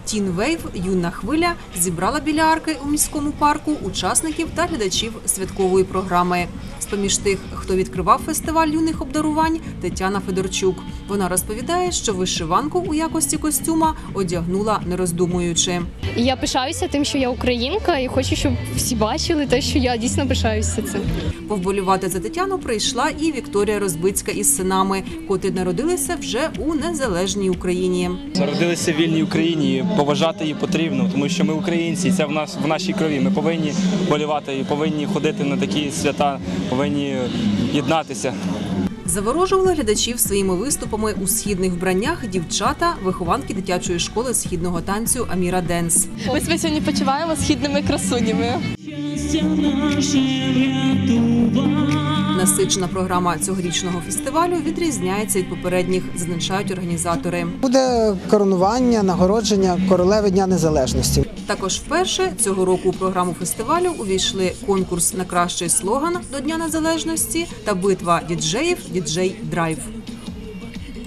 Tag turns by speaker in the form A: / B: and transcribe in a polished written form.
A: «Тін Вейв. Юна хвиля» зібрала біля арки у міському парку учасників та глядачів святкової програми. З-поміж тих, хто відкривав фестиваль юних обдарувань, Тетяна Федорчук. Вона розповідає, що вишиванку у якості костюма одягнула не роздумуючи.
B: Я пишаюся тим, що я українка, і хочу, щоб всі бачили те, що я дійсно пишаюся цим.
A: Повболювати за Тетяну прийшла і Вікторія Розбицька із синами, котрі народилися вже у незалежній Україні.
C: Народилися в вільній Україні, і поважати її потрібно, тому що ми українці, і це в нашій крові. Ми повинні болювати і повинні ходити на такі свята, повинні єднатися.
A: Заворожували глядачів своїми виступами у східних вбраннях дівчата, вихованки дитячої школи східного танцю «Аміра Денс».
D: Ми себе сьогодні почуваємо східними красунями.
A: Насичена програма цьогорічного фестивалю відрізняється від попередніх, зазначають організатори.
E: Буде коронування, нагородження королеви Дня Незалежності.
A: Також вперше цього року у програму фестивалю увійшли конкурс на кращий слоган до Дня Незалежності та битва діджеїв «Діджей Драйв».